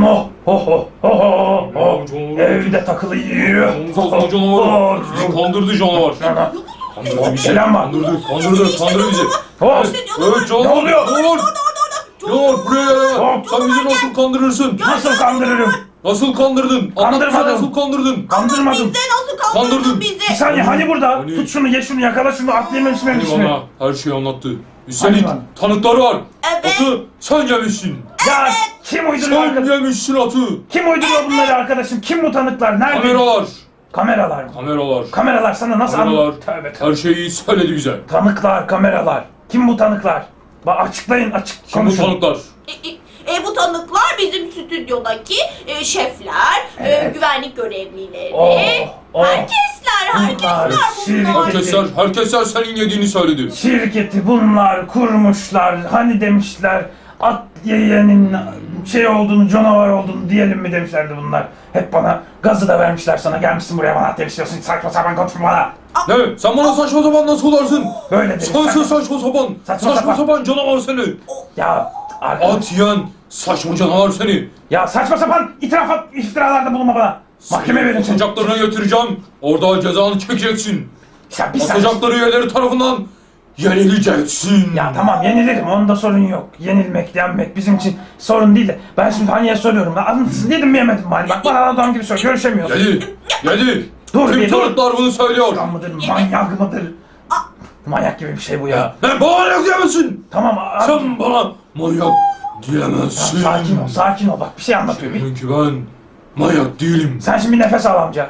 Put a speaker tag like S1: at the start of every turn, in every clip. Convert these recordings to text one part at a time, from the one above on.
S1: Oh, oh, oh, oh, oh, oh. Evde takılıyor.
S2: Domuz canavar. Bizi kandırdı canavar.
S1: Oh, bir selam var.
S2: Kandırdı bizi.
S1: Oh,
S2: Evet canavar.
S1: ne oluyor?
S2: Canavar buraya gel.
S1: Hop.
S2: Sen bizi nasıl kandırırsın?
S1: Nasıl kandırırım?
S2: Nasıl kandırdın?
S1: Kandırmadım.
S2: Anlat, nasıl kandırdın?
S1: Kandırmadım.
S3: Bize nasıl kandırdın
S2: Kandırdın.
S3: bizi?
S1: Bir saniye hani burada?
S2: Hani-
S1: Tut şunu, ye şunu, yakala şunu, atlayayım
S2: Hani
S1: mi?
S2: bana her şeyi anlattı. Üstelik
S1: Hani
S2: tanıkları var.
S3: Evet.
S2: Atı sen yemişsin.
S1: Ya kim uyduruyor
S2: Sen
S1: arkadaşım?
S2: yemişsin atı.
S1: Kim uyduruyor bunları arkadaşım? Kim bu tanıklar? Nerede?
S2: Kameralar.
S1: Kameralar mı?
S2: Kameralar.
S1: Kameralar sana nasıl
S2: Kameralar.
S1: Tövbe tövbe.
S2: Her şeyi söyledi bize.
S1: Tanıklar, kameralar. Kim bu tanıklar? Bak açıklayın, açık
S2: Kim bu
S1: konuşun.
S2: tanıklar?
S3: Bu tanıklar bizim stüdyodaki şefler,
S1: Evet.
S3: güvenlik görevlileri,
S1: Oh.
S3: herkesler bunlar.
S2: Herkesler senin yediğini söyledi.
S1: Şirketi bunlar kurmuşlar. Hani demişler at yiyenin şey olduğunu, canavar olduğunu diyelim mi demişlerdi bunlar. Hep bana gazı da vermişler sana. Gelmişsin buraya bana at demişiyorsun. Saçma sapan konuşma bana.
S2: Ne? Sen bana saçma sapan nasıl olarsın?
S1: Böyle dedim.
S2: Sensin saçma sapan.
S1: Saçma
S2: Saçma
S1: sapan.
S2: sapan canavar seni.
S1: Ya arkadaş.
S2: At yiyen saçma canavar seni.
S1: Ya saçma sapan iftiralarda bulunma bana. Mahkeme verin seni.
S2: Atacaklarına götüreceğim. Orada cezanı çekeceksin.
S1: Ya bir saniye.
S2: Atacakları üyeleri tarafından yenileceksin.
S1: Ya tamam yenilirim, onda sorun yok. Yenilmek, yenmek bizim için sorun değil de ben şimdi Hani'ye soruyorum. Anlatsın yedim mi yemedim mi Hani? Bak bana adam gibi sor, görüşemiyoruz.
S2: Yedi.
S1: Dur
S2: Tüm
S1: bir dur.
S2: tanıklar bunu söylüyor.
S1: Kan mıdır, manyak mıdır? Manyak gibi bir şey bu ya.
S2: Ne bana manyak diyemezsin.
S1: Tamam
S2: Sen bana manyak diyemezsin.
S1: sakin ol bak bir şey anlatıyor.
S2: Çünkü ben manyak değilim.
S1: Sen şimdi bir nefes al amca.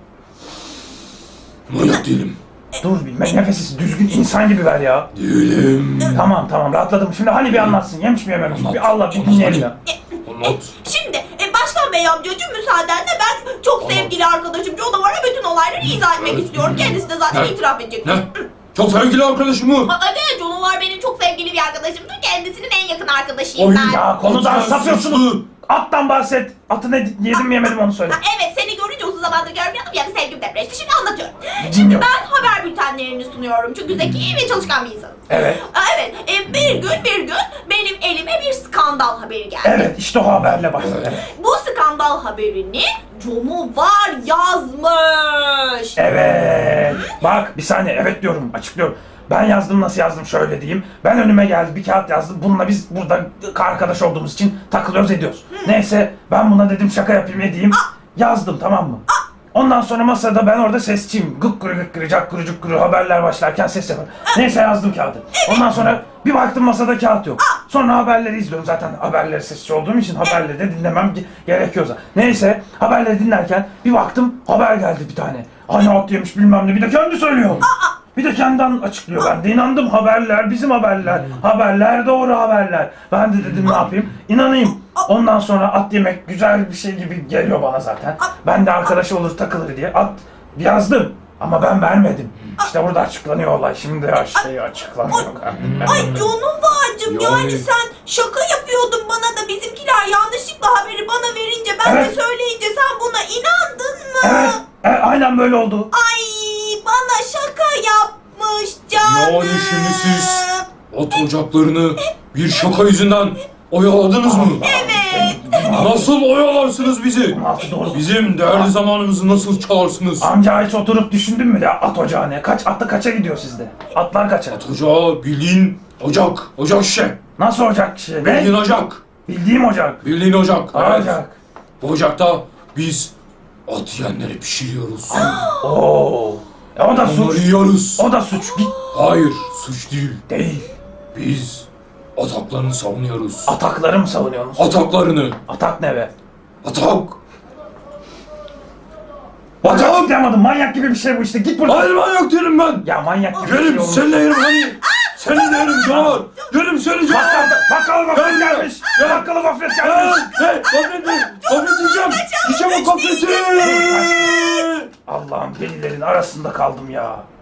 S2: Manyak değilim.
S1: Dur bir nefesi düzgün insan gibi ver ya.
S2: Değilim.
S1: Tamam rahatladım. Şimdi hani bir anlatsın, yemiş mi yememiş mi?
S2: Anlat.
S1: Bir Allah bir dinleyelim ya.
S2: Anlat.
S3: Şimdi Başkan Bey amcacığım müsaadenle ben çok sevgili arkadaşım Canavar'a bütün olayları izah etmek istiyorum. Kendisi de zaten
S2: Ne?
S3: itiraf edecek.
S2: Ne? Çok sevgili arkadaşım mı?
S3: Evet, Canavar benim çok sevgili bir arkadaşımdır. Kendisinin en yakın arkadaşıyım ben.
S1: Ya konudan
S2: Atlar
S1: sapıyorsunuz.
S2: suçlu.
S1: Attan bahset. Atı ne yedim mi yemedim onu söyle.
S3: Evet, seni görünce uzun zamandır görmüyordum ya, bir sevgim depreşti. Şimdi anlatıyorum. Şimdi
S1: Dinliyorum.
S3: ben haber bültenlerini sunuyorum. Çünkü zeki ve çalışkan bir insanım.
S1: Evet.
S3: Evet, bir gün benim elime bir skandal haberi geldi.
S1: Evet işte o haberle başladı. Evet.
S3: Bu skandal haberini Canavar yazmış.
S1: Evet. Bak bir saniye evet diyorum açıklıyorum. Ben yazdım nasıl yazdım şöyle diyeyim. Ben önüme geldi bir kağıt yazdım. Bununla biz burada arkadaş olduğumuz için takılıyoruz ediyoruz. Neyse ben buna dedim şaka yapayım edeyim. Yazdım tamam mı? Ondan sonra masada ben orada sesçiyim. Gıkkırı gıkkırı cakkırı cukkırı haberler başlarken ses yaparım. Neyse yazdım kağıdı. Ondan sonra bir baktım masada kağıt yok. Sonra haberleri izliyorum zaten haberleri sesçi olduğum için haberleri de dinlemem gerekiyor zaten. Neyse haberleri dinlerken bir baktım haber geldi bir tane. Hani at yemiş bilmem ne bir de kendi söylüyor. Bir de kendinden açıklıyor. Ben de inandım haberler bizim haberler. Haberler doğru haberler. Ben de dedim ne yapayım? İnanayım. Ondan sonra at yemek güzel bir şey gibi geliyor bana zaten. Ben de arkadaş olur takılır diye at yazdım. Ama ben vermedim. İşte burada açıklanıyor olay. Şimdi her şey açıklanıyor.
S3: Ay Canavar'cığım yani
S2: Yani-
S3: sen şaka yapıyordun bana da bizimkiler yanlışlıkla haberi bana verince ben
S1: Evet.
S3: de söyleyince sen buna inandın mı?
S1: Evet. Aynen böyle oldu.
S3: Ay bana şaka yapmış canım.
S2: Yani şimdi siz at ocaklarını bir şaka yüzünden oyaladınız mı?
S3: Evet.
S2: Nasıl oyalarsınız bizi?
S1: 16 doğru.
S2: Bizim değerli zamanımızı nasıl çalarsınız?
S1: Amca hiç oturup düşündün mü ya at ocağı ne? Atı kaça gidiyor sizde? Atlar kaça?
S2: Ocağı bildiğin ocak. Ocak şişe.
S1: Nasıl ocak şey?
S2: Bildiğin
S1: Ne?
S2: ocak.
S1: Bildiğim ocak.
S2: Bildiğin ocak. Evet.
S1: Ocak.
S2: Bu ocakta biz at yiyenleri pişiriyoruz.
S1: Oo. O da
S2: Onları
S1: suç.
S2: yiyoruz.
S1: O da suç. Git.
S2: Hayır, suç değil.
S1: Değil.
S2: Biz ataklarını savunuyoruz.
S1: Atakları mı savunuyorsunuz?
S2: Ataklarını.
S1: Atak ne be?
S2: Atak.
S1: Bak
S2: Atak.
S1: açıklayamadım. Manyak gibi bir şey bu işte. Git buradan.
S2: Hayır manyak değilim ben.
S1: Ya manyak gibi bir
S2: Yerim
S1: şey olmuş.
S2: seninle yerim hani. Seninle yerim canavar. Yerim seni canavar.
S1: Bakkal gofret gelmiş.
S2: Gel.
S1: Bakkalı gofret gelmiş.
S2: Hey, gofret mi? Gofret yiyeceğim. Yiyeceğim o gofreti.
S1: Allah'ım delilerin arasında kaldım ya.